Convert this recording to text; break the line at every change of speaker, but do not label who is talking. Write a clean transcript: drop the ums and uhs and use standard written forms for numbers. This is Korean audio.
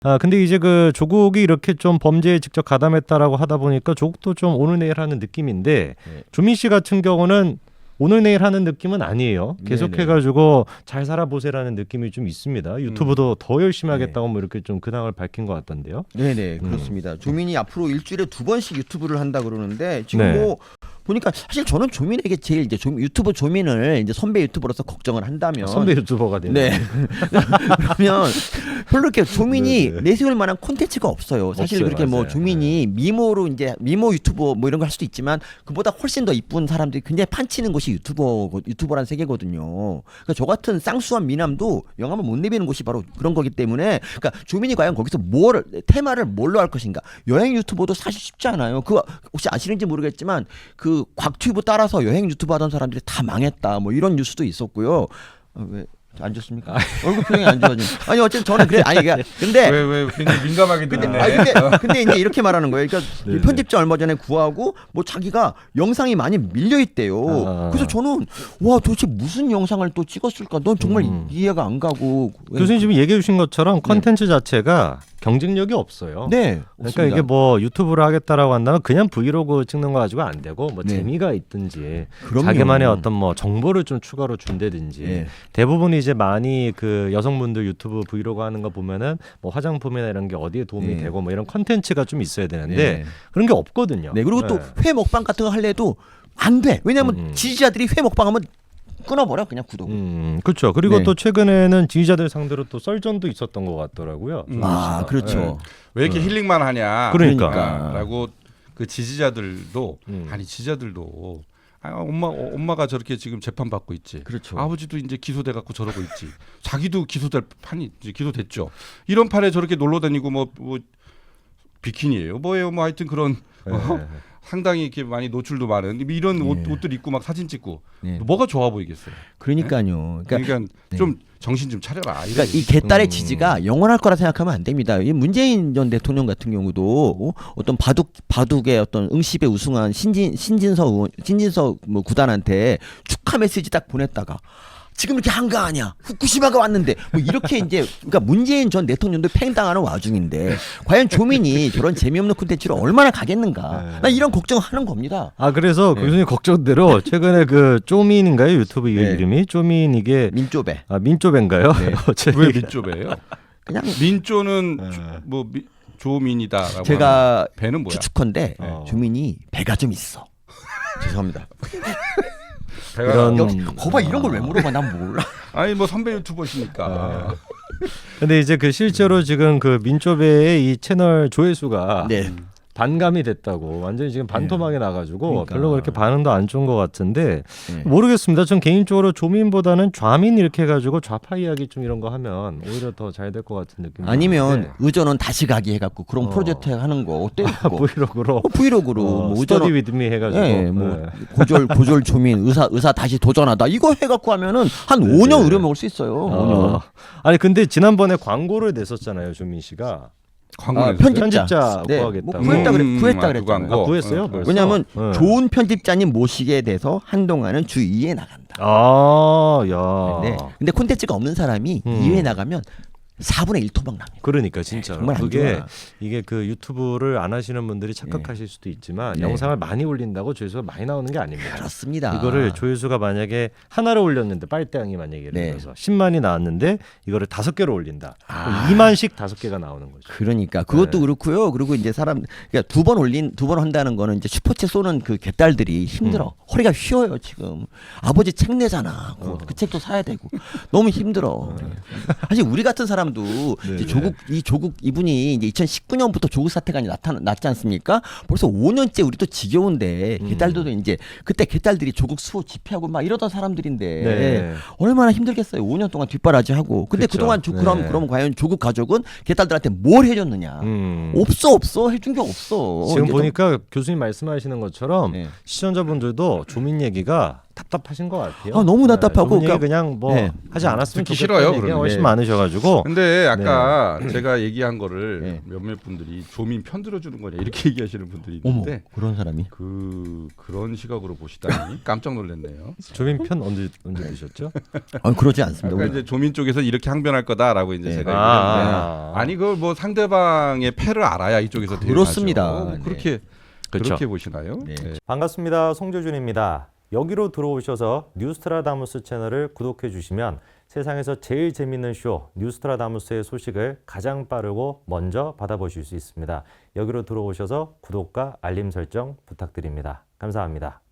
근데 이제 그 조국이 이렇게 좀 범죄에 직접 가담했다라고 하다 보니까 조국도 좀 오늘 내일 하는 느낌인데
네.
조민 씨 같은 경우는 오늘 내일 하는 느낌은 아니에요. 계속해가지고 잘 살아보세라는 느낌이 좀 있습니다. 유튜브도 더 열심히 하겠다고 뭐 이렇게 좀 근황을 밝힌 것 같던데요.
네네 그렇습니다. 조민이 앞으로 일주일에 2번씩 유튜브를 한다 그러는데 지금
네.
뭐 보니까 사실 저는 조민에게 제일 이제 유튜브 조민을 이제 선배 유튜버로서 걱정을 한다면
선배 유튜버가 되는.
네. 그러면 별로 이렇게 조민이
네네.
내세울 만한 콘텐츠가 없어요. 사실
없어요,
그렇게 뭐
맞아요.
조민이 미모로 이제 미모 유튜버 뭐 이런 걸 할 수도 있지만 그보다 훨씬 더 이쁜 사람들이 굉장히 판치는 곳이 유튜버란 세계거든요. 그러니까 저 같은 쌍수한 미남도 영감을 못 내비는 곳이 바로 그런 거기 때문에 그러니까 조민이 과연 거기서 테마를 뭘로 할 것인가. 여행 유튜버도 사실 쉽지 않아요. 그거 혹시 아시는지 모르겠지만 그 곽튜브 따라서 여행 유튜브 하던 사람들이 다 망했다. 뭐 이런 뉴스도 있었고요. 왜 안 좋습니까? 얼굴 표정이 안 좋아지네. 아니 어쨌든 저는 그래. 아니 그러니까 근데
왜 굉장히 민감하게 듣네.
근데 이제 이렇게 말하는 거예요. 그러니까
네네.
편집자 얼마 전에 구하고 뭐 자기가 영상이 많이 밀려 있대요. 그래서 저는 와 도대체 무슨 영상을 또 찍었을까? 넌 정말 이해가 안 가고.
교수님 지금 얘기해 주신 것처럼 컨텐츠 자체가 경쟁력이 없어요.
네.
그러니까
없습니다.
이게 뭐 유튜브를 하겠다라고 한다면 그냥 브이로그 찍는 거 가지고 안 되고 뭐
네.
재미가 있든지
그럼요.
자기만의 어떤 뭐 정보를 좀 추가로 준다든지
네.
대부분 이제 많이 그 여성분들 유튜브 브이로그 하는 거 보면은 뭐 화장품이나 이런 게 어디에 도움이
네.
되고 뭐 이런 컨텐츠가 좀 있어야 되는데
네.
그런 게 없거든요.
네. 그리고 또 회 먹방 같은 거 할래도 안 돼. 왜냐하면 지지자들이 회 먹방하면 끊어버려 그냥 구독.
그렇죠. 그리고
네.
또 최근에는 지지자들 상대로 또 썰전도 있었던 것 같더라고요.
아 그렇죠.
네.
왜 이렇게 힐링만 하냐?
그러니까.
라고 그 지지자들도 아니 지지자들도 엄마가 저렇게 지금 재판 받고 있지.
그렇죠.
아버지도 이제 기소돼 갖고 저러고 있지. 자기도 기소될 판이 이제 기소됐죠. 이런 판에 저렇게 놀러 다니고 뭐 비키니예요. 뭐예요? 뭐 하여튼 그런 상당히 이렇게 많이 노출도 많은 이런 옷들 입고 막 사진 찍고 뭐가 좋아 보이겠어요.
그러니까요.
그러니까 좀 정신 좀 차려라.
그러니까 이 개딸의 지지가 영원할 거라 생각하면 안 됩니다. 이 문재인 전 대통령 같은 경우도 어떤 바둑의 어떤 응시에 우승한 신진서 뭐 구단한테 축하 메시지 딱 보냈다가 지금 이렇게 한가하냐? 후쿠시마가 왔는데 뭐 이렇게 이제 그러니까 문재인 전 대통령도 팽당하는 와중인데 과연 조민이 저런 재미없는 콘텐츠를 얼마나 가겠는가? 나 이런 걱정하는 겁니다.
그래서 교수님 걱정대로 최근에 그 쪼민인가요? 유튜브 이름이 쪼민 이게
민쪼배.
민쪼배인가요?
왜 민쪼배예요?
그냥
민쪼는 뭐 조민이다라고.
제가
배는 뭐야?
추측컨대 조민이 배가 좀 있어. 죄송합니다.
배가
거봐 이런 걸 왜 물어봐? 난 몰라.
아니 뭐 선배 유튜버시니까.
근데 이제 그 실제로 지금 그 민쪼배의 이 채널 조회수가
네.
반감이 됐다고 완전히 지금 반토막이 나가지고
그러니까.
별로 그렇게 반응도 안 좋은 것 같은데 모르겠습니다. 전 개인적으로 조민보다는 좌민 이렇게 해가지고 좌파 이야기 좀 이런 거 하면 오히려 더 잘 될 것 같은 느낌이
아니면 의전원 다시 가기 해갖고 그런 프로젝트 하는 거 어때요?
브이로그로
브이로그로 뭐
스터디 위드미 해가지고
뭐 고졸 조민 의사 다시 도전하다 이거 해갖고 하면은 한 5년 의료 먹을 수 있어요. 5년.
아니 근데 지난번에 광고를 냈었잖아요, 조민 씨가. 편집자 구하겠다.
뭐 구했다 그랬잖아요.
구했어요? 벌써?
왜냐하면 좋은 편집자님 모시게 돼서 한동안은 주 2회 나간다.
야.
근데 콘텐츠가 없는 사람이 2회 나가면 4분의 1 토막 납니다.
그러니까 진짜
정말 안
그게
좋아.
이게 그 유튜브를 안 하시는 분들이 착각하실 수도 있지만 영상을 많이 올린다고 조회수가 많이 나오는 게 아닙니다.
그렇습니다.
이거를 조회수가 만약에 하나를 올렸는데 빨대양이 만약에 예를 들어서 10만이 나왔는데 이거를 5개로 올린다. 2만씩 5개가 나오는 거죠.
그러니까 그것도 그렇고요. 그리고 이제 그러니까 두 번 한다는 거는 이제 슈퍼챗 쏘는 그 개딸들이 힘들어. 허리가 휘어요 지금. 아버지 책 내잖아. 그 책도 사야 되고 너무 힘들어. 사실 우리 같은 사람도 이제 조국 이분이 이제 2019년부터 조국 사태가 났지 않습니까? 벌써 5년째 우리도 지겨운데 개딸들도 이제 그때 개딸들이 조국 수호 집회하고 막 이러던 사람들인데 얼마나 힘들겠어요. 5년 동안 뒷바라지하고. 근데
그쵸.
그동안 그럼 과연 조국 가족은 개딸들한테 뭘 해줬느냐? 없어 해준 게 없어.
지금 보니까 교수님 말씀하시는 것처럼
네.
시청자분들도 조민 얘기가 답답하신 것 같아요.
아, 너무 답답하고
저분 얘기
그러니까-
그냥 뭐
네.
하지 않았으면
듣기
좋겠다는
싫어요,
얘기가
그러면.
훨씬
네.
많으셔가지고
근데 아까 제가 얘기한 거를
네.
몇몇 분들이 조민 편들어 주는 거냐 이렇게 얘기하시는 분들이
어머
있는데
그런 사람이.
그런 시각으로 보시다니 깜짝 놀랐네요.
조민 편 언제 드셨죠?
아, 그러지 않습니다.
아까
우리
이제 조민 쪽에서 이렇게 항변할 거다라고 이제
네.
제가
아.
얘기했는데 아니 그걸 뭐 상대방의 패를 알아야 이쪽에서
그렇습니다.
대응하죠.
네.
그렇게
그렇죠.
그렇게 보시나요?
네.
네.
반갑습니다. 송조준입니다. 여기로 들어오셔서 뉴스트라다무스 채널을 구독해 주시면 세상에서 제일 재밌는 쇼 뉴스트라다무스의 소식을 가장 빠르고 먼저 받아보실 수 있습니다. 여기로 들어오셔서 구독과 알림 설정 부탁드립니다. 감사합니다.